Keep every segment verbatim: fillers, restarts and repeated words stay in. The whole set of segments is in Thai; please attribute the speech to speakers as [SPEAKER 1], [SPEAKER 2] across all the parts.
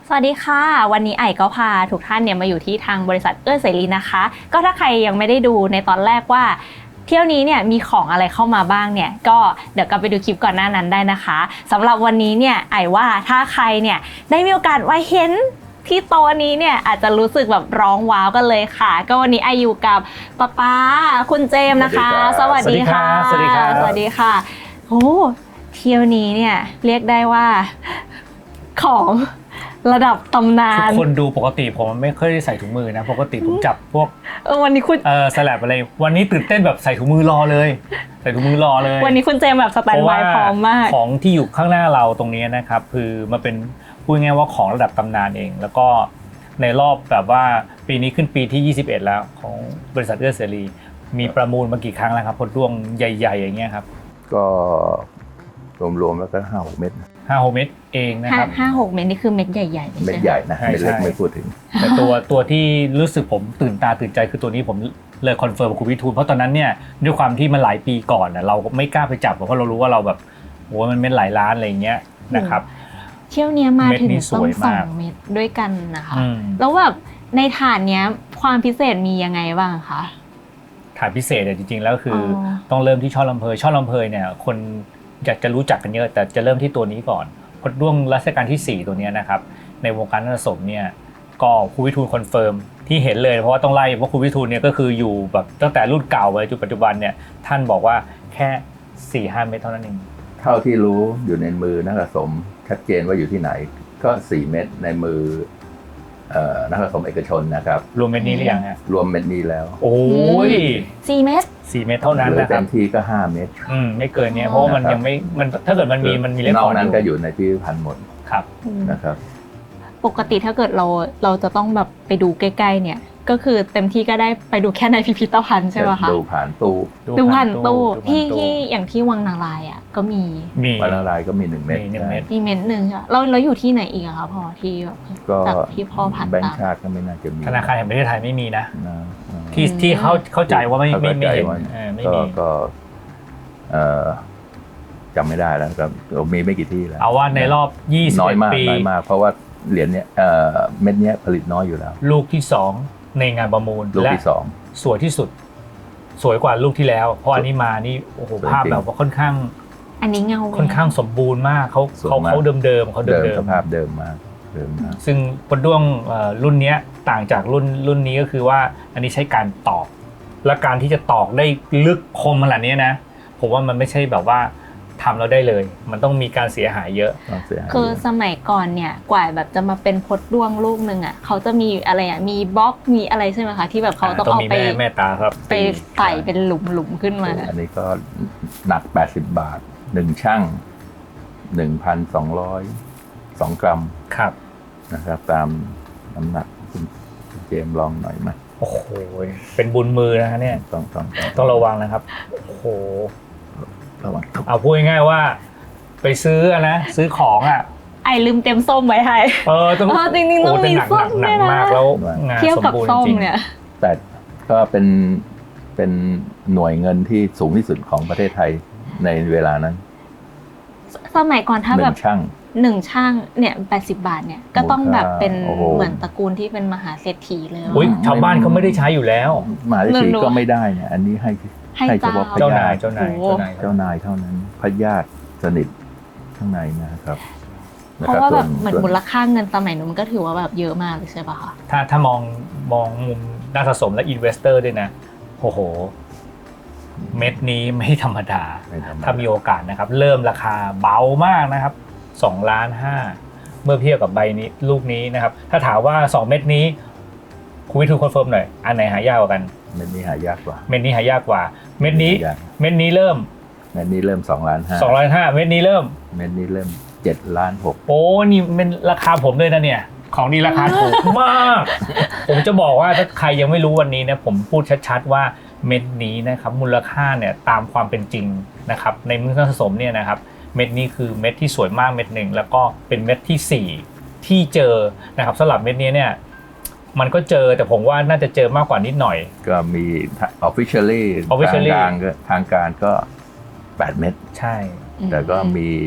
[SPEAKER 1] สวัสดีค่ะวันนี้ไอ่ก็พาทุกท่านเนี่ยมาอยู่ที่ทางบริษัทเอื้อเสรีนะคะก็ถ้าใครยังไม่ได้ดูในตอนแรกว่าเที่ยวนี้เนี่ยมีของอะไรเข้ามาบ้างเนี่ยก็เดี๋ยวกลับไปดูคลิปก่อนหน้านั้นได้นะคะสำหรับวันนี้เนี่ยไอ่ว่าถ้าใครเนี่ยได้มีโอกาสมาเห็นที่โต๊ะนี้เนี่ยอาจจะรู้สึกแบบร้องว้าวกันเลยค่ะก็วันนี้ไออยู่กับป๊าป๊าคุณเจมส์นะคะสวัสดีค่ะ
[SPEAKER 2] สวัสดีค่ะ
[SPEAKER 1] สวัสดีค่ะโอ้เที่ยวนี้เนี่ยเรียกได้ว่าของระดับตำนาน
[SPEAKER 2] ทุกคนดูปกติผมไม่เคยใส่ถุงมือนะปกติผมจับพวก
[SPEAKER 1] เออวันนี้คุณ
[SPEAKER 2] เออสลับอะไรวันนี้ตื่นเต้นแบบใส่ถุงมือรอเลยใส่ถุงมือรอเลย
[SPEAKER 1] วันนี้คุณเจมแบบสแตนด์บายพร้อมมาก
[SPEAKER 2] ของที่อยู่ข้างหน้าเราตรงนี้นะครับคือมาเป็นพูดง่ายๆว่าของระดับตำนานเองแล้วก็ในรอบแบบว่าปีนี้ขึ้นปีที่ยี่สิบเอ็ดแล้วของบริษัทเอื้อเสรีมีประมูลมากี่ครั้งแล้วครับพดร่วงใหญ่ๆอย่างเงี้ยครับ
[SPEAKER 3] ก็รวมๆแล้วก็ห้าหกเม็ด
[SPEAKER 2] ห้าหกเม็ดเองนะครับ
[SPEAKER 1] ห้าหกเม็ดนี่คือเม็ดใหญ่ๆ
[SPEAKER 3] เม็ดใหญ่นะเม็ดเล็กไม่พูดถึง
[SPEAKER 2] แต่ตัวตัวที่รู้สึกผมตื่นตาตื่นใจคือตัวนี้ผมเลยคอนเฟิร์มกับคุณวิทูลเพราะตอนนั้นเนี่ยด้วยความที่มันหลายปีก่อนเราไม่กล้าไปจับเพราะเรารู้ว่าเราแบบโอ้มันเม็ดหลายล้านอะไรอย่างเงี้ยนะครับ
[SPEAKER 1] เที่ยวนี้มาถึงต้องสองเม็ดด้วยกันนะคะแล้วแบบในถาดเนี้ยความพิเศษมียังไงบ้างคะ
[SPEAKER 2] ถาดพิเศษเนี่ยจริงๆแล้วคือต้องเริ่มที่ช่อลำเพยช่อลำเพยเนี่ยคนอยากจะรู้จักกันเยอะแต่จะเริ่มที่ตัวนี้ก่อนพดร่วงรัชกาลที่สี่ตัวนี้นะครับในวงการนักสมเนี่ยก็ครูวิทูลคอนเฟิร์มที่เห็นเลยเพราะว่าต้องไล่เพราะครูวิทูลเนี่ยก็คืออยู่แบบตั้งแต่รุ่นเก่าไปจนปัจจุบันเนี่ยท่านบอกว่าแค่ สี่ห้า เม็ดเท่านั้นเอง
[SPEAKER 3] เท่าที่รู้อยู่ในมือนักสมชัดเจนว่าอยู่ที่ไหนก็สี่เม็ดในมือนักสมเอกชนนะครับ
[SPEAKER 2] รวมเม็ดนี้หรือยังฮะ
[SPEAKER 3] รวมเม็ดนี้แล้ว
[SPEAKER 2] โอ้ย
[SPEAKER 1] สี่เม็ด
[SPEAKER 2] สี่เม็ดเท่านั้นนะครับ
[SPEAKER 3] เต็มที่ก็ห้าเม็ด
[SPEAKER 2] อืมไม่เกินเนี้ยเพราะมันยังไม่มันถ้าเกิดมันมีมันมีเล็ก
[SPEAKER 3] นอกนั้นก็อยู่ในพิพิธภัณฑ์หมด
[SPEAKER 2] ครับ
[SPEAKER 3] นะครับ
[SPEAKER 1] ปกติถ้าเกิดเราเราจะต้องแบบไปดูใกล้ๆเนี่ยก็คือเต็มที่ก็ได้ไปดูแค่ในพิพิธภัณฑ์ใช่ไหมคะ
[SPEAKER 3] ดูผ่านตู้
[SPEAKER 1] ดูผ่านตู้ที่ที่อย่างที่วังนารายอ่ะก็มี
[SPEAKER 3] วังนารายก็มีหนึ่งเม็ด
[SPEAKER 1] มีเม็ดหนึ่งใช่เราเราอยู่ที่ไหนอีกอะคะพอที่จากที่พ่อผ่านตาม
[SPEAKER 3] แบงก์ชาติก็ไม่น่าจะมี
[SPEAKER 2] ธนาคารแห่งประเทศไทยไม่มีนะที่ที่เขาเข้าใจว่าไม่ไม่ไม่เห็นไม่มี
[SPEAKER 3] ก็จำไม่ได้แล้วครับมีไม่กี่ที่แล้ว
[SPEAKER 2] เอาว่าในรอบยี่สิบปี
[SPEAKER 3] น้อยมากเพราะว่าเหรียญเนี้ยเม็ดเนี้ยผลิตน้อยอยู่แล้ว
[SPEAKER 2] ลูกที่สองในงานประมูล
[SPEAKER 3] ลูกที่สอง
[SPEAKER 2] สวยที่สุดสวยกว่าลูกที่แล้วเพราะอันนี้มานี่โอ้โหภาพแบบว่าค่อนข้าง
[SPEAKER 1] อันนี้เงา
[SPEAKER 2] ค่อนข้างสมบูรณ์มากเขาเขาเขาเดิมเดิมเขาเดิม
[SPEAKER 3] สภาพเดิมมากเดิมมาก
[SPEAKER 2] ซึ่งพดร่วงรุ่นนี้ต่างจากรุ่นรุ่นนี้ก็คือว่าอันนี้ใช้การตอกและการที่จะตอกได้ลึกคมขนาดนี้นะผมว่ามันไม่ใช่แบบว่าทำแล้วได้เลยมันต้องมีการเสียหายเยอะ
[SPEAKER 1] คือสมัยก่อนเนี่ยกว่าแบบจะมาเป็นพดร่วงลูกนึงอ่ะเขาจะมีอะไรอ่ะมีบล็อกมีอะไรใช่ไหมคะที่แบบเขาต้องเอาไป
[SPEAKER 2] แม่ตาครับ
[SPEAKER 1] ไปใส่เป็นหลุมๆขึ้นมา
[SPEAKER 3] อันนี้ก็หนักแปดสิบบาทหนึ่งชั่ง หนึ่งพันสองร้อย สองกรัม
[SPEAKER 2] ครับ
[SPEAKER 3] นะครับตามน้ำหนักคุณเจมส์ลองหน่อยไหม
[SPEAKER 2] โอ้โหเป็นบุญมือนะฮะเนี่ย
[SPEAKER 3] ต้องต้อง
[SPEAKER 2] ต้องระวังนะครับโอ้โหเอาพูดง่ายๆว่าไปซื้อนะซื้อของอ่ะ
[SPEAKER 1] ไอลืมเต็มส้มไว้ให้
[SPEAKER 2] เออต้อง
[SPEAKER 1] จริงๆต้องมีส้ม
[SPEAKER 2] หนักมากแล้วงานสมบูรณ์จริง
[SPEAKER 3] แต่ก็เป็นเป็นหน่วยเงินที่สูงที่สุดของประเทศไทยในเวลานั้น
[SPEAKER 1] สมัยก่อนถ้าแบบ
[SPEAKER 3] ช่าง
[SPEAKER 1] หนึ่งช่างเนี่ยแปดสิบบาทเนี่ยก็ต้องแบบเป็นเหมือนตระกูลที่เป็นมหาเศรษฐีเลย
[SPEAKER 2] อุ้ยชาวบ้านเขาไม่ได้ใช้อยู่แล้ว
[SPEAKER 3] มหาเศรษฐีก็ไม่ได้เนี่ยอันนี้ให้ให้เฉพาะ
[SPEAKER 2] เจ้านายเจ้านายเจ้านาย
[SPEAKER 3] เจ้านายเท่านั้นพญาติสนิทข้างในนะครับ
[SPEAKER 1] เพราะว่าแบบเหมือนมูลค่าเงินสมัยนู้นมันก็ถือว่าแบบเยอะมากเลยใช่ป่ะคะ
[SPEAKER 2] ถ้าถ้ามองมองมุมนักสะสมและอินเวสเตอร์ด้วยนะโอ้โหเม็ดนี้ไม่ธรรมดาถ้ามีโอกาสนะครับเริ่มราคาเบามากนะครับสองล้านห้าเมื่อเทียบกับใบนี้ลูกนี้นะครับถ้าถามว่าสองเม็ดนี้คุณวิทูลคอนเฟิร์มหน่อยอันไหนหายากกว่ากัน
[SPEAKER 3] เม็ดนี้หายากกว่า
[SPEAKER 2] เม็ดนี้หายากกว่าเม็ดนี้เม็ดนี้เริ่ม
[SPEAKER 3] เม็ดนี้เริ่มสองล้านห้า
[SPEAKER 2] สองล้านห้าเม็ดนี้เริ่ม
[SPEAKER 3] เม็ดนี้เริ่มเจ็ดล้านหก
[SPEAKER 2] โอ้นี่เป็นราคาผมเลยนะเนี่ยของดีราคาถูกมากผมจะบอกว่าถ้าใครยังไม่รู้วันนี้นะผมพูดชัดๆว่าเม็ดนี้นะครับมูลค่าเนี่ยตามความเป็นจริงนะครับในมือนักสะสมเนี่ยนะครับเม็ดนี้คือเม็ดที่สวยมากเม็ดหนึ่งแล้วก็เป็นเม็ดที่สี่ที่เจอนะครับสำหรับเม็ดนี้เนี่ยมันก็เจอแต่ผมว่าน่าจะเจอมากกว่านิดหน่อย
[SPEAKER 3] ก็มี officially ทางการทางการก็แปดเม็ด
[SPEAKER 2] ใช่
[SPEAKER 3] แต่ก็มี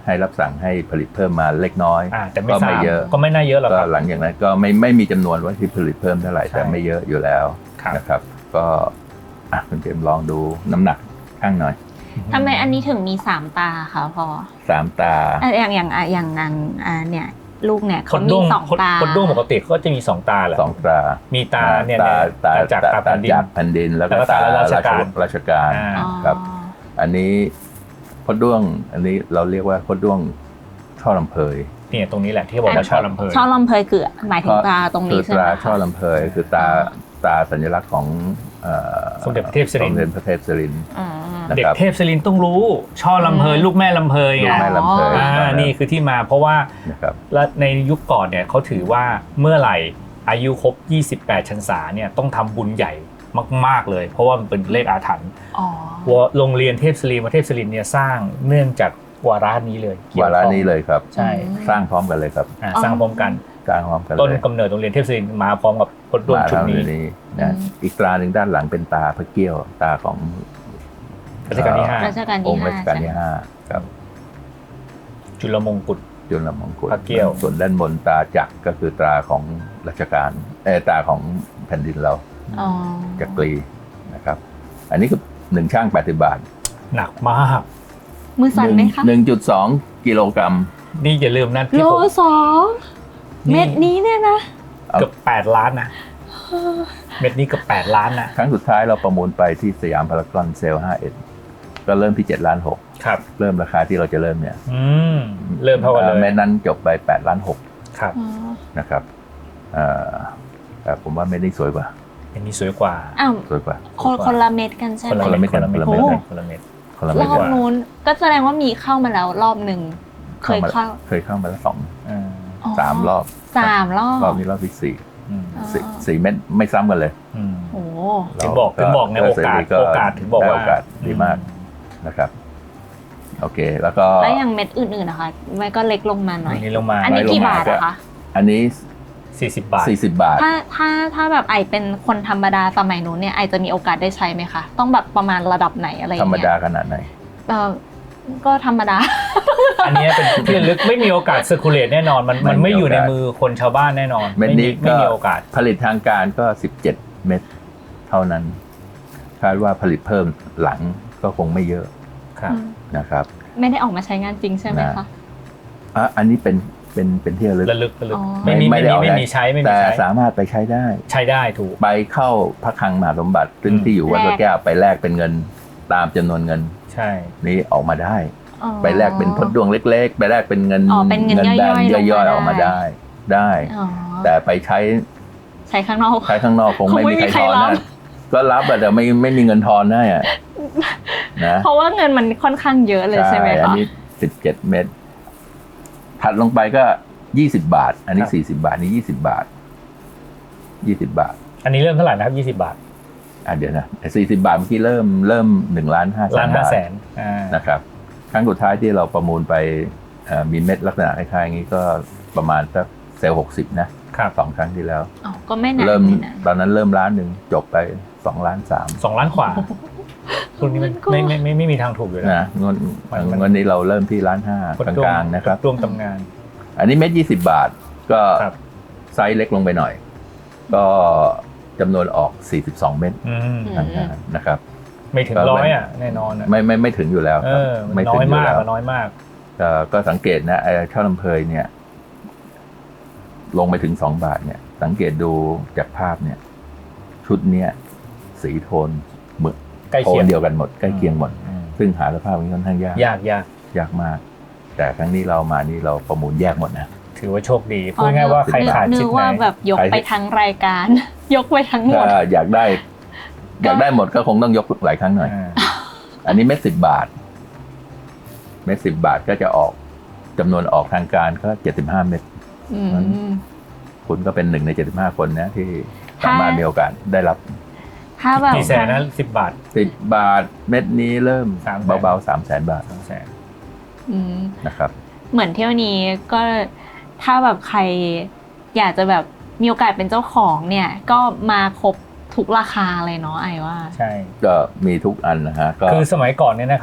[SPEAKER 3] ให้รับสั่งให้ผลิตเพิ่มมาเล็กน้อย
[SPEAKER 2] อ่าแต่ไม่
[SPEAKER 3] ก็
[SPEAKER 2] ทรา
[SPEAKER 3] ไม่
[SPEAKER 2] บ
[SPEAKER 3] เยอะ
[SPEAKER 2] ก็ไม่น่าเยอะหรอก
[SPEAKER 3] ก็
[SPEAKER 2] ครับ
[SPEAKER 3] หลังจากนั้นก็ไม่ไม่มีจำนวนว่าที่ผลิตเพิ่มเท่าไหร่
[SPEAKER 2] ใช่
[SPEAKER 3] แต่ไม่เยอะอยู่แล้ว
[SPEAKER 2] ครับ
[SPEAKER 3] นะครับ ก็อ่ะคุณเจมส์ลองดูน้ำหนักข้างหน่อย
[SPEAKER 1] ทำไมอันนี้ถึงมีสามตาคะพอ
[SPEAKER 3] สามตา
[SPEAKER 1] อ่ะอย่างอย่างอ่ะอย่างนางอ่าเนี่ยลูกเนี่ย
[SPEAKER 2] ค
[SPEAKER 1] เขา
[SPEAKER 2] น
[SPEAKER 1] มี
[SPEAKER 2] ด้วง
[SPEAKER 1] สอง
[SPEAKER 2] คน
[SPEAKER 1] ตา
[SPEAKER 2] คนด้วงปกติเขาก็จะมีสองตาแหละ
[SPEAKER 3] สองตา
[SPEAKER 2] มีตาเนี่ย
[SPEAKER 3] ตา
[SPEAKER 2] เนี่ย
[SPEAKER 3] ตา
[SPEAKER 2] ตาจากตาแผ่นดิน
[SPEAKER 3] จากแผ่นดินแล้วก็
[SPEAKER 2] แล้วก็
[SPEAKER 3] ตา
[SPEAKER 2] ตารา
[SPEAKER 3] รา
[SPEAKER 2] ช
[SPEAKER 3] ช
[SPEAKER 2] การ
[SPEAKER 3] ราชการ
[SPEAKER 2] อ่า
[SPEAKER 1] อ๋อ
[SPEAKER 3] ครับ อันนี้พดด้วงอันนี้เราเรียกว่าพดด้วงช่อลำเพย
[SPEAKER 2] เนี่ยตรงนี้แหละที่บอกว่าช่อลำเพย
[SPEAKER 1] ช่อลำเพยคือหมายถึงตาตรง
[SPEAKER 3] คื
[SPEAKER 1] นี้
[SPEAKER 3] อ
[SPEAKER 1] ใช่
[SPEAKER 3] ต
[SPEAKER 1] ไหม
[SPEAKER 3] รา
[SPEAKER 1] คะ
[SPEAKER 3] ช่อลำเพยคือตาตาสัญลักษณ์ของเอ่อ
[SPEAKER 2] สมเด็จพระเทพศิริน
[SPEAKER 3] สมเด็จพระเทพศิริน
[SPEAKER 1] อืม
[SPEAKER 3] นะ
[SPEAKER 2] เด็ก
[SPEAKER 3] ครับ
[SPEAKER 2] เทพศิรินต้องรู้ ช่อลำเพยลูกแม่ลำเพย
[SPEAKER 3] ลู
[SPEAKER 2] ไง
[SPEAKER 3] กแม่ลำเพย
[SPEAKER 2] อ่านี่คือที่มาเพราะว่า
[SPEAKER 3] นะครับ
[SPEAKER 2] และในยุคก่อนเนี่ยเขาถือว่าเมื่อไหร่อายุครบยี่สิบแปดพรรษาเนี่ยต้องทำบุญใหญ่มากๆเลย เพราะว่ามันเป็นเลขอาถรรพ์
[SPEAKER 1] อ๋อ
[SPEAKER 2] ว่าโรงเรียนเทพศิรินมาเทพศิรินเนี่ยสร้างเนื่องจากวาระนี้เลยกี่ยว
[SPEAKER 3] วา
[SPEAKER 2] ข้
[SPEAKER 3] ระ
[SPEAKER 2] อง
[SPEAKER 3] นี้เลยครับ
[SPEAKER 2] ใช่
[SPEAKER 3] สร้างพร้อมกันเลยครับ
[SPEAKER 2] อ่าสร้างพร้อมกัน
[SPEAKER 3] สร้างพร้อมกัน
[SPEAKER 2] ต้น
[SPEAKER 3] เลย
[SPEAKER 2] กำเนิดโรงเรียนเทพศิรินมาพร้อมกับพดด้วง
[SPEAKER 3] มา
[SPEAKER 2] ชุด
[SPEAKER 3] ทำ
[SPEAKER 2] นี้
[SPEAKER 3] ในนี้นะอีกตราหนึ่งด้านหลังเป็นตาพระเกี้ยวตาของ
[SPEAKER 2] รัชกาลที่ห้า
[SPEAKER 1] รัชกาล
[SPEAKER 3] อ
[SPEAKER 1] ที่
[SPEAKER 3] งค์
[SPEAKER 1] ห้า
[SPEAKER 3] รัชกาลที่
[SPEAKER 1] ใช่ไหม
[SPEAKER 3] ห้าครับ
[SPEAKER 2] จุลมงกุฎ
[SPEAKER 3] จุลมงกุฎ
[SPEAKER 2] พระเกี้ยว
[SPEAKER 3] ส่วนด้านบนตาจักรก็คือตราของรัชกาลเออตาของแผ่นดินเรา
[SPEAKER 1] อ๋อ
[SPEAKER 3] จักรีนะครับ อันนี้คือหนึ่งช่างแปดสิบบาท
[SPEAKER 2] หนักมาก
[SPEAKER 1] มือสั่นไหมคะ
[SPEAKER 3] หนึ่งจุดสองกิโลกรัม
[SPEAKER 2] นี่อย่าลืมนะ
[SPEAKER 1] โล
[SPEAKER 2] ที่ผม
[SPEAKER 1] สองเม็ดนี้เนี่ยนะ
[SPEAKER 3] เอา
[SPEAKER 2] เกือบแปดล้านนะเม็ดนี้เกือบแปดล้านนะ
[SPEAKER 3] ครั้งสุดท้ายเราประมูลไปที่สยามพารากอนเซลล์ห้าสิบเอ็ดก็เริ่มที่เจ็ดล้านหก
[SPEAKER 2] ครับ
[SPEAKER 3] เริ่มราคาที่เราจะเริ่มเนี่ย
[SPEAKER 2] อืมเริ่มเท่ากันเลย
[SPEAKER 3] แม่นั้นจบไปแปดล้านหก
[SPEAKER 2] ครับ
[SPEAKER 1] อ๋อ
[SPEAKER 3] นะครับเอ่อแต่ผมว่าเม็ดนี้สวยกว่า
[SPEAKER 2] เม็ดนี้สวยกว่า
[SPEAKER 1] อ้าว
[SPEAKER 3] สวยกว่า
[SPEAKER 1] คนคนละเม็ดกันใช่
[SPEAKER 2] คน
[SPEAKER 1] ไหม
[SPEAKER 2] ละเม็ดคนละเม็ด
[SPEAKER 3] คนละเม็ด
[SPEAKER 2] คนละเม็ด
[SPEAKER 3] คนละ
[SPEAKER 1] ร
[SPEAKER 3] เม็ด
[SPEAKER 1] อบ
[SPEAKER 3] กว่า
[SPEAKER 1] นู้นก็แสดงว่ามีเข้ามาแล้วรอบหนึ่งเคยเข้า
[SPEAKER 3] เคยเข้ามาแล้วสอง
[SPEAKER 2] อ่า
[SPEAKER 1] อ๋อ
[SPEAKER 3] สามรอบ
[SPEAKER 1] สามรอบ
[SPEAKER 3] รอบนี้รอบที่สี่
[SPEAKER 2] อืม
[SPEAKER 1] อ๋อ
[SPEAKER 3] สี่สี่เม็ดไม่ซ้ำกันเลย
[SPEAKER 2] อืม
[SPEAKER 1] โอ้
[SPEAKER 2] ถึงบอกถึงบอกไงโอกาสโอกาสถึงบอกว่า
[SPEAKER 3] ได้โอกาสดีมากนะครับ โอเค แล้วก็
[SPEAKER 1] แล้วอย่างเม็ดอื่นๆนะคะมันก็เล็กลงมาหน่อย
[SPEAKER 2] อันนี้ลงมา
[SPEAKER 1] อันนี้กี่บาท
[SPEAKER 3] ก็
[SPEAKER 1] อะคะ
[SPEAKER 3] อันนี้
[SPEAKER 2] สี่สิบบาท
[SPEAKER 3] สี่สิบบาท
[SPEAKER 1] ถ้าถ้าถ้าแบบไอเป็นคนธรรมดาสมัยนู้นเนี่ยไอจะมีโอกาสได้ใช้ไหมคะต้องแบบประมาณระดับไหนอะไรอย่า
[SPEAKER 3] ธรง รม
[SPEAKER 1] เงี้ย
[SPEAKER 3] ดาขนาดไหน
[SPEAKER 1] เออก็ธรรมดา
[SPEAKER 2] อันนี้เป็นที่ระลึกไม่มีโอกาสเซอร์คูลเลตแน่นอนมันมันไม่อยู่ในมือคนชาวบ้านแน่นอน
[SPEAKER 3] เม็ด
[SPEAKER 2] ไม่มี
[SPEAKER 3] นี้
[SPEAKER 2] ไม่
[SPEAKER 3] ก็
[SPEAKER 2] มีโอกาส
[SPEAKER 3] ผลิตทางการก็สิบเจ็ดเม็ดเท่านั้นคาดว่าผลิตเพิ่มหลังก็คงไม่เยอะ
[SPEAKER 2] ครับ
[SPEAKER 3] นะครับ
[SPEAKER 1] ไม่ได้ออกมาใช้งานจริงใช่ไหมคะ
[SPEAKER 3] อ่ะอันนี้เป็นเป็นเป็นที่ระลึก
[SPEAKER 2] ระลึกระลึก
[SPEAKER 1] อ๋อ
[SPEAKER 2] ไม่มีไม่
[SPEAKER 3] ด้
[SPEAKER 2] มี
[SPEAKER 3] เอา
[SPEAKER 2] ไม่
[SPEAKER 3] ด้
[SPEAKER 2] มีใช้ไม่มี
[SPEAKER 3] แต่
[SPEAKER 2] ใช้
[SPEAKER 3] สามารถไปใช้ได้
[SPEAKER 2] ใช้ได้ถูก
[SPEAKER 3] ไปเข้าพระคลังมหาสมบัติ ซึ่ง
[SPEAKER 2] อืม
[SPEAKER 3] ที่อยู่วัด
[SPEAKER 1] แลก
[SPEAKER 3] พระแก้วไปแลกเป็นเงินตามจำนวนเงิน
[SPEAKER 2] ใช่
[SPEAKER 3] นี้ออกมาได้
[SPEAKER 1] อ๋อ
[SPEAKER 3] ไปแลกเป็นพดดวงเล็ก ๆ ไปแลกเป็นเงิน
[SPEAKER 1] อ๋อเป็นเงิน
[SPEAKER 3] แดง
[SPEAKER 1] ย่อยๆ
[SPEAKER 3] ย่อยๆ
[SPEAKER 1] ล
[SPEAKER 3] อง อก
[SPEAKER 1] มา
[SPEAKER 3] มา
[SPEAKER 1] ได้
[SPEAKER 3] ได้ได้
[SPEAKER 1] อ๋อ
[SPEAKER 3] แต่ไปใช้
[SPEAKER 1] ใช้ข้างนอก
[SPEAKER 3] ใช้ข้างนอกคงไม่
[SPEAKER 1] คงไม่
[SPEAKER 3] มี
[SPEAKER 1] มี
[SPEAKER 3] ใครทอน
[SPEAKER 1] ใครรับ
[SPEAKER 3] นะก็รับอะแต่ไม่ไม่มีเงินทอนได้อะนะ
[SPEAKER 1] เพราะว่าเงินมันค่อนข้างเยอะเลยใช่ไหม
[SPEAKER 3] อั
[SPEAKER 1] คะ
[SPEAKER 3] นี้สิบเจ็ดเม็ดถัดลงไปก็ยี่สิบบาท อันนี้
[SPEAKER 2] ครับ
[SPEAKER 3] สี่สิบบาทนี่ยี่สิบบาทยี่สิบบาท
[SPEAKER 2] อันนี้เริ่มเท่าไหร่นะครับยี่สิบบาท
[SPEAKER 3] อ่ะเดี๋ยวนะสี่สิบบาทเมื่อกี้เริ่มเริ่มหนึ่งล้านห้าแส
[SPEAKER 2] ล้าน
[SPEAKER 3] น
[SPEAKER 2] ห้า
[SPEAKER 3] บาท
[SPEAKER 2] แสนอ่า
[SPEAKER 3] นะครับครั้งสุดท้ายที่เราประมูลไปเอ่อมีเม็ดลักษณะคล้ายๆอย่างนี้ก็ประมาณสักเซลล์หกสิบนะครับ สองครั้งที่แล้ว
[SPEAKER 1] อ๋อก็ไม่นาน
[SPEAKER 3] เริ่ม
[SPEAKER 1] ไม่นาน
[SPEAKER 3] ตอนนั้นเริ่มล้านหนึ่งจบไปสองล้านสาม
[SPEAKER 2] สองล้านขวาคุณนี้มันไม่ไม่ไม่ไม่มีทางถูกอยู่แล้ว
[SPEAKER 3] นะงวด
[SPEAKER 2] มันมัน
[SPEAKER 3] งวดนี้เราเริ่มที่ล้านห้า
[SPEAKER 2] คน
[SPEAKER 3] ก
[SPEAKER 2] ดวง
[SPEAKER 3] ลางๆนะครับ
[SPEAKER 2] ดวงตำงาน
[SPEAKER 3] อันนี้เม็ดยี่สิบบาทก็
[SPEAKER 2] ครับ
[SPEAKER 3] ไซส์เล็กลงไปหน่อย ก็จำนวนออกสี่สิบสองเม็ด
[SPEAKER 2] อืม
[SPEAKER 3] ทางการนะครับ
[SPEAKER 2] ไม่ถึง
[SPEAKER 3] ก็
[SPEAKER 2] ร้อย
[SPEAKER 3] เป็น
[SPEAKER 2] อ่ะแน่นอนอ่ะ
[SPEAKER 3] ไม่ไม่ไม่ถึงอยู่แล้ว
[SPEAKER 2] เอ
[SPEAKER 3] ครับ
[SPEAKER 2] อมัน
[SPEAKER 3] ไม่
[SPEAKER 2] น้
[SPEAKER 3] ถึ
[SPEAKER 2] อง ย
[SPEAKER 3] อยู่
[SPEAKER 2] มาก
[SPEAKER 3] แล้ว
[SPEAKER 2] อะน้อยมาก
[SPEAKER 3] ก็ก็สังเกตนะไอ้ช่อลำเพยเนี่ย ลงไปถึงสองบาทเนี่ย สังเกตดูจากภาพเนี่ย ชุดเนี้ยสีโทนเหมือน
[SPEAKER 2] ใกล้
[SPEAKER 3] โท
[SPEAKER 2] เคีย
[SPEAKER 3] น
[SPEAKER 2] ง
[SPEAKER 3] เดียวกันหมดใกล้เคียงหมด
[SPEAKER 2] อืม
[SPEAKER 3] ซึ่งหาสภาพนี้ค่อนข้างยาก
[SPEAKER 2] ยากยาก
[SPEAKER 3] ยากมาก แต่ครั้งนี้เรามานี่เราประมูลแยกหมดนะ
[SPEAKER 2] ถือว่าโชคดีพูดง่ายๆว่าใครขาด
[SPEAKER 1] นึ
[SPEAKER 2] ชิ้
[SPEAKER 1] ก
[SPEAKER 2] นไหน
[SPEAKER 1] ว่าแบบยก
[SPEAKER 3] ใคร
[SPEAKER 1] ไปทั้งรายการ ยกไปทั้งหม
[SPEAKER 3] ถ้า
[SPEAKER 1] ด
[SPEAKER 3] อยากได้ อยากได้หมดก็คงต้องยกหลายครั้งหน่อย
[SPEAKER 2] อ่า
[SPEAKER 3] อันนี้เม็ดสิบบาท เม็ดสิบบาทก็จะออกจำนวนออกทางการก็เจ็ดสิบห้าเม็ด
[SPEAKER 1] อืม
[SPEAKER 3] คุณก็เป็นหนึ่งในเจ็ดสิบห้าคนนะที่
[SPEAKER 1] ถ้า
[SPEAKER 3] สามารถมีโอกาสได้รับ
[SPEAKER 1] ถ้าแบบ
[SPEAKER 2] กี่แสนนะสิบบาท
[SPEAKER 3] สิบบาทเม็ดนี้เริ่ม
[SPEAKER 2] สามแสน
[SPEAKER 3] เบาๆสามแสนบาท
[SPEAKER 2] สองแสน
[SPEAKER 1] อืม
[SPEAKER 3] นะครับ
[SPEAKER 1] เหมือนเที่ยวนี้ก็ถ้าแบบใครอยากจะแบบมีโอกาสเป็นเจ้าของเนี่ย ก็มาครบทุกราคาเลยเนาะไอว่า
[SPEAKER 2] ใช่
[SPEAKER 3] ก็มีทุกอันนะฮะก็
[SPEAKER 2] คือสมัยก่อนเนี่ยนะครับ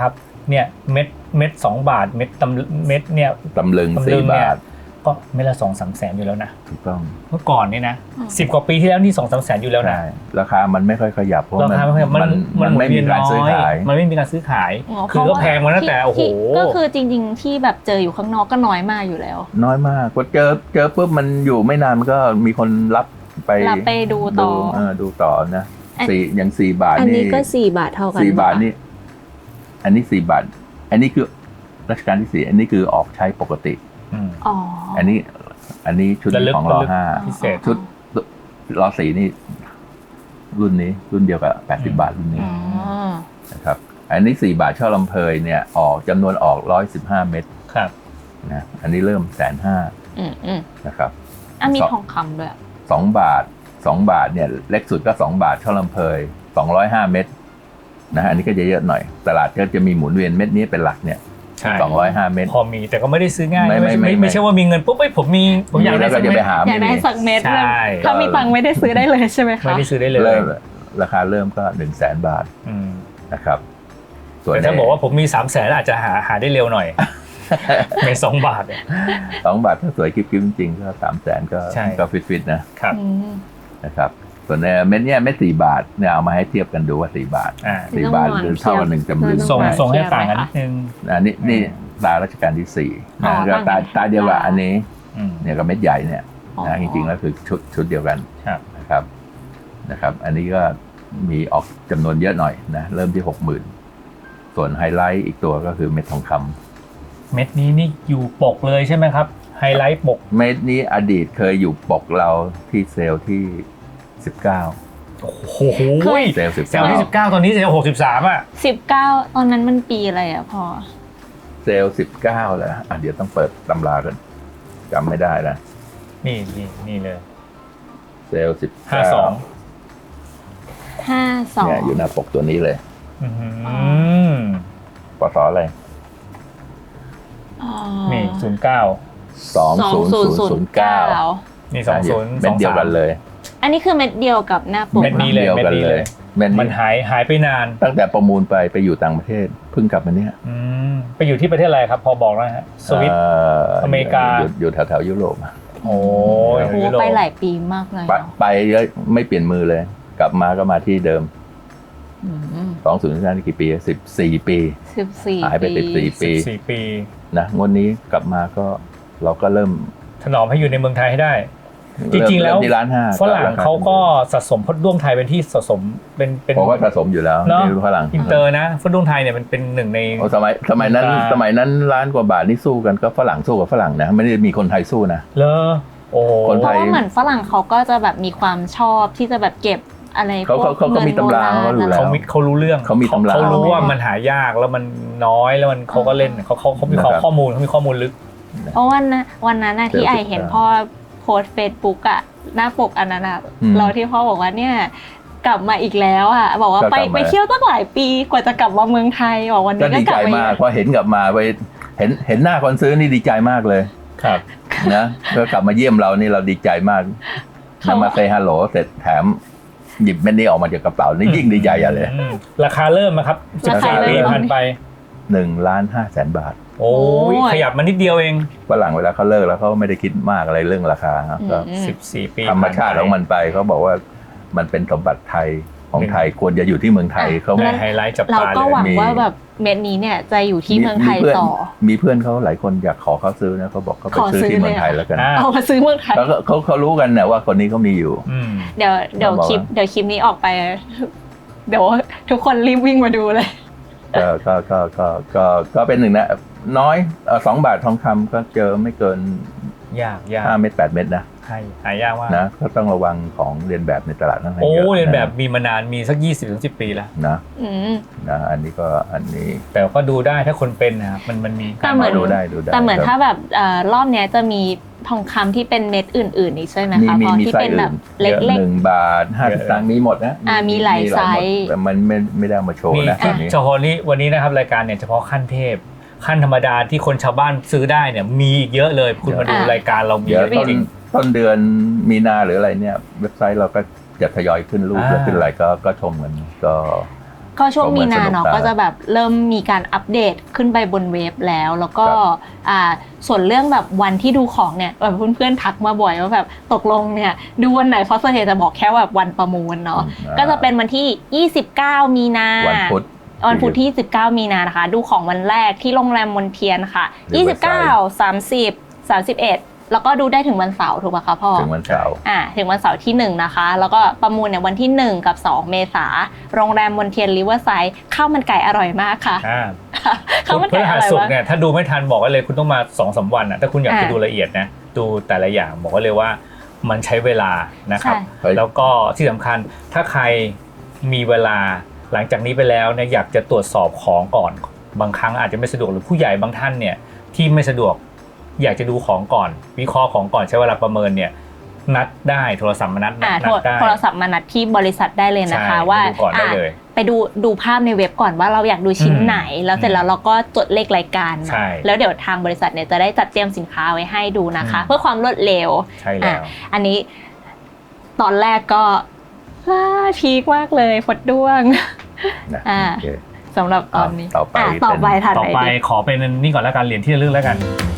[SPEAKER 2] เนี่ยเม็ดเม็ดสองบาทเม็ดตำเม็ดเนี่ย
[SPEAKER 3] ตำลึง
[SPEAKER 2] ตำลึ
[SPEAKER 3] สี่
[SPEAKER 2] งเนี่ย
[SPEAKER 3] บาท
[SPEAKER 2] ก็เม็ดละสองสามแสนอยู่แล้วนะ
[SPEAKER 3] ถูกต้อง
[SPEAKER 2] เมื่อก่อนนี่นะสิบกว่าปีที่แล้วนี่สองสามแสนอยู่แล้วนะ
[SPEAKER 3] ใช่ราคามันไม่ค่อยขยับเพราะ
[SPEAKER 2] ราคาไม่ค่อยมัน
[SPEAKER 3] มัน
[SPEAKER 2] หมุ
[SPEAKER 3] ไม่
[SPEAKER 2] นเวี
[SPEAKER 3] มี
[SPEAKER 2] ยน
[SPEAKER 3] การ
[SPEAKER 2] น้
[SPEAKER 3] ซื้อ
[SPEAKER 2] อย
[SPEAKER 3] ขาย
[SPEAKER 2] มันไม่มีการซื้อขาย
[SPEAKER 1] อ๋อ
[SPEAKER 2] คือก็แพงมาตั้งแต่
[SPEAKER 1] ที่
[SPEAKER 2] โอ้โห
[SPEAKER 1] ที่ก็คือจริงๆที่แบบเจออยู่ข้างนอกก็น้อยมากอยู่แล้ว
[SPEAKER 3] น้อยมากพอเจอเจอปุ๊บมันอยู่ไม่นานมันก็มีคนรับไป
[SPEAKER 1] รับไปดูต่อ
[SPEAKER 3] เออดูต่อนะ
[SPEAKER 1] อัน
[SPEAKER 3] สี่อย่างสี่บาท
[SPEAKER 4] อัน
[SPEAKER 3] นี่
[SPEAKER 4] นี้ก็สี่บาทเท่ากัน
[SPEAKER 3] สี่บาท
[SPEAKER 4] ปะ
[SPEAKER 3] นี่อันนี้สี่บาท อันนี้คือรัชกาลที่สี่อันนี้คือออกใช้ปกติ
[SPEAKER 2] อืม
[SPEAKER 1] อ๋อ
[SPEAKER 3] อันนี้ อันนี้ชุด
[SPEAKER 2] ระลึก
[SPEAKER 3] ของรอห้า
[SPEAKER 2] พิเศษ
[SPEAKER 3] ชุดรอสี่นี่ รุ่นนี้ รุ่นเดียวกับแปดสิบบาทรุ่นนี้
[SPEAKER 1] อ๋อ
[SPEAKER 3] นะครับ อันนี้สี่บาทช่อลำเพยเนี่ยออกจำนวนออกร้อยสิบห้าเม็ด
[SPEAKER 2] ครับ
[SPEAKER 3] นะอันนี้เริ่มแสนห้า
[SPEAKER 1] อืมอืม
[SPEAKER 3] นะครับ
[SPEAKER 1] อ่ะมี
[SPEAKER 3] สอง
[SPEAKER 1] ทองคำด้วย
[SPEAKER 3] สองบาทสองบาทเนี่ยเล็กสุดก็สองบาทช่อลำเพยสองร้อยห้าเม็ดนะฮะอันนี้ก็จะเยอะหน่อย ตลาดก็จะมีหมุนเวียนเม็ดนี้เป็นหลักเนี่ย
[SPEAKER 2] ใช่
[SPEAKER 3] สองร้อยห้าเม็ด
[SPEAKER 2] พอมีแต่ก็ไม่ได้ซื้อง่าย
[SPEAKER 3] ไม่ไม่
[SPEAKER 2] ไม่
[SPEAKER 3] ไม่
[SPEAKER 2] ไม่ไม่ใช่ว่ามีเงินปุ๊บเอ้ยผมมีผมอยากได้
[SPEAKER 3] แล้ว
[SPEAKER 2] สั
[SPEAKER 3] ก็
[SPEAKER 2] ก
[SPEAKER 3] จะ
[SPEAKER 2] เม็
[SPEAKER 3] ไป
[SPEAKER 2] ด
[SPEAKER 3] หา
[SPEAKER 1] อยาก
[SPEAKER 3] ไม่
[SPEAKER 1] ได้
[SPEAKER 3] มี
[SPEAKER 1] สักเม็ด
[SPEAKER 2] ใช่
[SPEAKER 1] ถ้ามีตังค์ไม่ได้ซื้อได้เลยใช่ไหมคะ
[SPEAKER 2] ไม่ได้ซื้อได้เลย
[SPEAKER 3] เริ่มราคาเริ่มก็หนึ่งแสนบาท
[SPEAKER 2] อืม
[SPEAKER 3] นะครับส่วน
[SPEAKER 2] แต่ถ้าบอกว่าผมมีสามแสนอาจจะหาหาได้เร็วหน่อย ในสองบาทเนี่ย
[SPEAKER 3] สองบาทถ้าสวยกิ๊บๆจริงๆก็สามแสนก็
[SPEAKER 2] ใช่
[SPEAKER 3] ก็ฟิตๆนะครับ
[SPEAKER 1] อืม
[SPEAKER 3] นะครับส่วนในเม็ดเนี้ยเม็ดสี่บาทเนี่ยเอามาให้เทียบกันดูว่าสี่บาท
[SPEAKER 2] อ่า
[SPEAKER 3] สี่บาทหรือเท่ากับหนึ่งจำลึง
[SPEAKER 2] ส่ง
[SPEAKER 4] ต้อง
[SPEAKER 2] ส่งให้
[SPEAKER 4] เทียบ
[SPEAKER 2] ต่างกัน
[SPEAKER 4] ไหม
[SPEAKER 2] นิ
[SPEAKER 4] คะ
[SPEAKER 2] ดนึง
[SPEAKER 3] อันนี้นี่ตารัชกาลที่สี่
[SPEAKER 1] อ๋อ
[SPEAKER 3] นะก็ตา
[SPEAKER 1] ต่างกัน
[SPEAKER 3] ตาเดียวกับอันนี้
[SPEAKER 2] อืม
[SPEAKER 3] เนี่ยกับเม็ดใหญ่เนี่ย
[SPEAKER 1] อ๋อ
[SPEAKER 3] นะจริงๆแล้วคือชุดชุดเดียวกัน
[SPEAKER 2] ครับ
[SPEAKER 3] นะครับนะครับ อันนี้ก็มีออกจำนวนเยอะหน่อยนะเริ่มที่หกหมื่นส่วนไฮไลท์อีกตัวก็คือเม็ดทองคำ
[SPEAKER 2] เม็ดนี้นี่อยู่ปกเลยใช่ไหมครับไฮไลท์ปก
[SPEAKER 3] เม็ดนี้อดีตเคยอยู่ปกเราที่เซลล์ที่สิบเก้า
[SPEAKER 2] โอ้โห
[SPEAKER 3] เซลล์สิบ
[SPEAKER 2] เซล
[SPEAKER 3] เก้า
[SPEAKER 2] ล์ที่สิบเก้าตอนนี้เซลล์หกสิบสามอ่ะ
[SPEAKER 1] สิบเก้าตอนนั้นมันปีอะไรอ่ะพอ
[SPEAKER 3] เซลล์สิบเก้าแล้วอ่ะเดี๋ยวต้องเปิดตำรากันจำไม่ได้แล้ว
[SPEAKER 2] นี่นี่นี่เลย
[SPEAKER 3] เซลล์สิบ
[SPEAKER 2] ห้าสอง
[SPEAKER 1] ห้าสอง
[SPEAKER 3] เนี่ยอยู่หน้าปกตัวนี้เลย
[SPEAKER 2] อืม
[SPEAKER 3] ปศอะไร
[SPEAKER 1] อ๋อ
[SPEAKER 2] นี่ศูนย์เก้า
[SPEAKER 3] สองศูนย์ศูนย์ศูนย์เก้า
[SPEAKER 2] นี่สองศูนย์
[SPEAKER 3] เม็ดเดียวกันเลย
[SPEAKER 1] อันนี้คือเม็ดเดียวกับหน้าปก
[SPEAKER 2] เม็ดนี้เลย
[SPEAKER 3] เดียวกันเลยเม็ด
[SPEAKER 2] มัน
[SPEAKER 3] นี้
[SPEAKER 2] หายหายไปนาน
[SPEAKER 3] ตั้งแต่ประมูลไปไปอยู่ต่างประเทศเพิ่งกลับมาเนี่ย
[SPEAKER 2] อืมไปอยู่ที่ประเทศอะไรครับ พอบอกแล้วฮะสวิต
[SPEAKER 3] เ
[SPEAKER 2] อเมริกา
[SPEAKER 3] อยู่อยู่แถวแถวๆยุโรป
[SPEAKER 2] โอ้ย
[SPEAKER 1] โอ้โห
[SPEAKER 2] ยุโรป
[SPEAKER 1] ไปหลายปีมากเลย
[SPEAKER 3] ไป
[SPEAKER 1] เนาะ
[SPEAKER 3] ไปแล้วไม่เปลี่ยนมือเลย กลับมาก็มาที่เดิม
[SPEAKER 1] อืม
[SPEAKER 3] สองศูนย์นี่กี่ปีสิบสี่ปี
[SPEAKER 1] สิบสี่
[SPEAKER 3] หายไปสิบสี่
[SPEAKER 2] สิบสี่ปี
[SPEAKER 3] นะงวดนี้กลับมาก็เราก็เริ่ม
[SPEAKER 2] ถนอมให้อยู่ในเมืองไทยให้ได้ จริงๆแล้ว
[SPEAKER 3] เมที่ร้านห้า
[SPEAKER 2] ฝรั่งเขาก็สะสมพดด้วงไทยเป็นที่สะสมเป็นเป็น
[SPEAKER 3] ผมว่าสะสมอยู่แล้ว
[SPEAKER 2] เนอะ
[SPEAKER 3] ในฝรั่ง
[SPEAKER 2] อินเตอร์นะพดด้วงไทยเนี่ยมันเป็นหนึ่งใน
[SPEAKER 3] โอ้สมัยสมัยนั้น
[SPEAKER 2] อ่า
[SPEAKER 3] สมัยนั้นล้านกว่าบาทนี่สู้กันก็ฝรั่งสู้กับฝรั่งนะไม่ได้มีคนไทยสู้นะ
[SPEAKER 2] เลอโอ้
[SPEAKER 3] คน
[SPEAKER 1] เพ
[SPEAKER 3] ไท
[SPEAKER 1] ราะ
[SPEAKER 3] ย
[SPEAKER 1] ว่าเหมือนฝรั่งเขาก็จะแบบมีความชอบที่จะแบบเก็บอะไร
[SPEAKER 3] เขา
[SPEAKER 1] พวก
[SPEAKER 3] เขาเขามีตำรา
[SPEAKER 1] งินโบ
[SPEAKER 3] เขารู้
[SPEAKER 1] ณ
[SPEAKER 3] แล้
[SPEAKER 2] เขา
[SPEAKER 3] ว
[SPEAKER 2] มีเขารู้เรื่อง
[SPEAKER 3] เขามีตำรา
[SPEAKER 2] เขารู้ว่ามันหายากแล้วมันน้อยแล้วมันเขาก็เล่นเขาเขาเขามี
[SPEAKER 3] นะครับ
[SPEAKER 2] ข้อมูลเขามีข้อมูลลึก
[SPEAKER 1] เพราะวันนั้นวันนั้นนะที่
[SPEAKER 3] เดี๋
[SPEAKER 1] ไอ
[SPEAKER 3] ยว
[SPEAKER 1] เห็น
[SPEAKER 3] สิบเก้า
[SPEAKER 1] พ่อโพสเฟซบุ๊กอะหน้าปกอันนั้นอะ
[SPEAKER 3] อืม
[SPEAKER 1] เราที่พ่อบอกว่าเนี่ยกลับมาอีกแล้วอะบอกว่า
[SPEAKER 3] ก็
[SPEAKER 1] ไป
[SPEAKER 3] กลับมา
[SPEAKER 1] ไปเที่ยวตั้งหลายปีกว่าจะกลับมาเมืองไทยบอกวัน
[SPEAKER 3] ก็
[SPEAKER 1] นี้ก็
[SPEAKER 3] ดี
[SPEAKER 1] กลั
[SPEAKER 3] ใจ
[SPEAKER 1] บมา
[SPEAKER 3] มากพอเห็นกลับมาไปเห็นเห็นหน้าคนซื้อนี่ดีใจมากเลย
[SPEAKER 2] ครับ
[SPEAKER 3] นะก็กลับมาเยี่ยมเรานี่เราดีใจมาก
[SPEAKER 1] เขา
[SPEAKER 3] นำมาเซฮัลโหลเสร็จแถมหยิบเม็ดนี้ออกมาจากกระเป๋านี่ยิ่งดีใจใหญ่เลย
[SPEAKER 2] อืมราคาเริ่มนะครับสิบ
[SPEAKER 1] ราคา
[SPEAKER 2] สี่
[SPEAKER 1] เริ่ม
[SPEAKER 2] ปีผ่านไป
[SPEAKER 3] หนึ่งล้านห้าแสนบาท
[SPEAKER 2] โอ้ยขยับมานิดเดียวเอง
[SPEAKER 3] ฝรั่งเวลาเขาเลิกแล้วเขาไม่ได้คิดมากอะไรเรื่องราคาครับก็
[SPEAKER 1] อืม
[SPEAKER 2] สิบสี่ปี
[SPEAKER 3] ธรรมชาติของมันไปเขาบอกว่ามันเป็นสมบัติไทยของไทยควรจะอยู่ที่เมืองไทยเขา
[SPEAKER 2] ในไฮไลท์จับ
[SPEAKER 1] เรา
[SPEAKER 2] ตา
[SPEAKER 1] ก็
[SPEAKER 2] เล
[SPEAKER 1] หวั
[SPEAKER 2] ย
[SPEAKER 1] งว่าแบบเม็ดนี้เนี่ยจะอยู่ที่เมืองไทย
[SPEAKER 3] พื่น
[SPEAKER 1] ต่อ
[SPEAKER 3] มีเพื่อนเขาหลายคนอยากขอเขาซื้อนะเขาบอกเขาไป
[SPEAKER 1] ขอ
[SPEAKER 3] ซื้อ
[SPEAKER 1] ซื้อ
[SPEAKER 3] ที่เมือง
[SPEAKER 1] เลย
[SPEAKER 3] ไทย
[SPEAKER 1] อะ
[SPEAKER 3] แล้วกัน
[SPEAKER 2] อ่า
[SPEAKER 1] เอามาซื้อเมืองไทย
[SPEAKER 3] เขาเขาเขารู้กันนะว่าคนนี้เขามีอยู่
[SPEAKER 2] อืม
[SPEAKER 1] เดี๋ยวเดี๋ยว
[SPEAKER 3] เราบอก
[SPEAKER 1] คลิป
[SPEAKER 3] ว่า
[SPEAKER 1] เดี๋ยวคลิปนี้ออกไป เดี๋ยวทุกคนรีบวิ่งมาดูเลย
[SPEAKER 3] ก็ก็ก็ก็ก็ก็เป็นหนึ่งนะน้อยเอ่อสองบาททองคำก็เจอไม่เกิน
[SPEAKER 2] ยากยาก
[SPEAKER 3] ห้าเม็ดแปดเม็ดนะ
[SPEAKER 2] ใช่หายากมาก
[SPEAKER 3] นะก็ต้องระวังของเรียนแบบในตลาดนั่นเอง
[SPEAKER 2] โอ้
[SPEAKER 3] เยอะ
[SPEAKER 2] เรียนแบบมีมานานมีสักยี่สิบถึงสิบปีแล้ว
[SPEAKER 3] นะ
[SPEAKER 1] อืม
[SPEAKER 3] นะอันนี้ก็อันนี้
[SPEAKER 2] แต่ก็ดูได้ถ้าคนเป็นนะครับมันมันมี
[SPEAKER 1] แต่เหมือน
[SPEAKER 3] ดูได้ดูได้
[SPEAKER 1] แต่เหมือน
[SPEAKER 3] ครับ
[SPEAKER 1] ถ้าแบบเอ่อรอบเนี้ยจะมีทองคำที่เป็นเม็ดอื่นๆอีกใช่ไหม
[SPEAKER 3] มี
[SPEAKER 1] คะ
[SPEAKER 3] มี
[SPEAKER 1] พอ
[SPEAKER 3] มี
[SPEAKER 1] ที่
[SPEAKER 3] ไส้
[SPEAKER 1] เป็น
[SPEAKER 3] อื่
[SPEAKER 1] แบ
[SPEAKER 3] น
[SPEAKER 1] บเล็ก
[SPEAKER 3] หนึ่งบาทห้าสิบตังค์มีหมดนะ
[SPEAKER 1] อ่ามีหลายไซส์
[SPEAKER 3] แต่มันไม่ไม่ได้เอามาโชว์
[SPEAKER 2] มี
[SPEAKER 3] นะอันนี้
[SPEAKER 2] เฉพาะนี้วันนี้นะครับรายการเนี่ยเฉพาะขั้นเทพขั้นธรรมดาที่คนชาวบ้านซื้อได้เนี่ยมีอีกเยอะเลยคุณมาดู
[SPEAKER 1] อ่ะ
[SPEAKER 2] รายการเรามี
[SPEAKER 3] เดี๋ยว
[SPEAKER 2] เยอะ
[SPEAKER 3] ต้น
[SPEAKER 2] จริง
[SPEAKER 3] ต้นเดือนมีนาหรืออะไรเนี่ย เว็บไซต์เราก็จะทยอยขึ้นรูป
[SPEAKER 2] อ่า
[SPEAKER 3] แล้วขึ้นอะไรก็ก็ชมกันก็
[SPEAKER 1] ก็ช่วงมีนาเนาะ
[SPEAKER 3] ก็เหมือนสนุกตา
[SPEAKER 1] ก็จะแบบเริ่มมีการอัปเดตขึ้นไปบนเว็บแล้ว แล้วก็
[SPEAKER 3] ครับ
[SPEAKER 1] อ่าส่วนเรื่องแบบวันที่ดูของเนี่ยแบบเพื่อนๆทักมาบ่อยว่าแบบตกลงเนี่ยดูวันไหนเพราะส่วนใหญ่จะบอกแค่แบบวันประมูลเนาะ
[SPEAKER 3] อ่า
[SPEAKER 1] ก็จะเป็นวันที่ยี่สิบเก้ามีนา
[SPEAKER 3] วันพุธ
[SPEAKER 1] วันพุธที่สิบเก้ามีนานะคะดูของวันแรกที่โรงแรมมนเทียนค่ะยี่สิบเก้า สามสิบ สามสิบเอ็ดแล้วก็ดูได้ถึงวันเสาร์ถูกป่ะคะพ่อ
[SPEAKER 3] ถึงวันเสาร์
[SPEAKER 1] อ่าถึงวันเสาร์ที่หนึ่งนะคะแล้วก็ประมูลเนี่ยวันที่หนึ่งกับสองเมษาโรงแรมมนเทียนริเวอร์ไซด์ข้าวมันไก่อร่อยมากค่ะ
[SPEAKER 2] อ่า
[SPEAKER 1] ข้าวมัน
[SPEAKER 2] พฤ
[SPEAKER 1] ไก่อ
[SPEAKER 2] หัส
[SPEAKER 1] ร่อย
[SPEAKER 2] ศุก
[SPEAKER 1] มา
[SPEAKER 2] ร์
[SPEAKER 1] ก
[SPEAKER 2] เนี่ยถ้าดูไม่ทันบอกไว้เลยคุณต้องมาสองสามวันอ่ะถ้าคุณอยากจะ
[SPEAKER 1] อ่า
[SPEAKER 2] ดูละเอียดนะดูแต่ละอย่างบอกไว้เลยว่ามันใช้เวลานะครับ
[SPEAKER 1] ใช่
[SPEAKER 3] เฮ้ย
[SPEAKER 2] แล้วก็ที่สำคัญถ้าใครมีเวลาหลังจากนี้ไปแล้วเนี่ยอยากจะตรวจสอบของก่อนบางครั้งอาจจะไม่สะดวกหรือผู้ใหญ่บางท่านเนี่ยที่ไม่สะดวกอยากจะดูของก่อนวิเคราะห์ของก่อนใช้เวลาประเมินเนี่ยนัดได้โทรศัพท์มานัด
[SPEAKER 1] อ่า
[SPEAKER 2] นัดได้
[SPEAKER 1] โทรศัพท์มานัดที่บริษัทได้เลยนะคะ
[SPEAKER 2] ใช่
[SPEAKER 1] ว่า
[SPEAKER 2] ดูก่อนได้
[SPEAKER 1] อ่ะ
[SPEAKER 2] เลย
[SPEAKER 1] ไปดูดูภาพในเว็บก่อนว่าเราอยากดูชิ้น
[SPEAKER 2] อืม
[SPEAKER 1] ไหน แล้วเสร็จแล้วเราก็จดเลขรายการมา
[SPEAKER 2] ใช่
[SPEAKER 1] แล้วเดี๋ยวทางบริษัทเนี่ยจะได้จัดเตรียมสินค้าไว้ให้ดูนะคะ
[SPEAKER 2] อืม
[SPEAKER 1] เพื่อความรวดเร็ว
[SPEAKER 2] ใช่แล้ว
[SPEAKER 1] อ่ะอันนี้ตอนแรกก็ว้าพีคมากเลยฟดด้วง
[SPEAKER 3] นะ
[SPEAKER 1] อ่า
[SPEAKER 3] โอเค
[SPEAKER 1] สำหรับตอนนี้
[SPEAKER 3] ต่อไป
[SPEAKER 1] ะต่อไป
[SPEAKER 3] เป็น
[SPEAKER 1] ทัน
[SPEAKER 2] ต่อ
[SPEAKER 1] ไหน
[SPEAKER 2] ไป
[SPEAKER 1] ดี
[SPEAKER 2] ขอเป็นนี่ก่อนแล้วกันเหรียญที่ระลึกแล้วกัน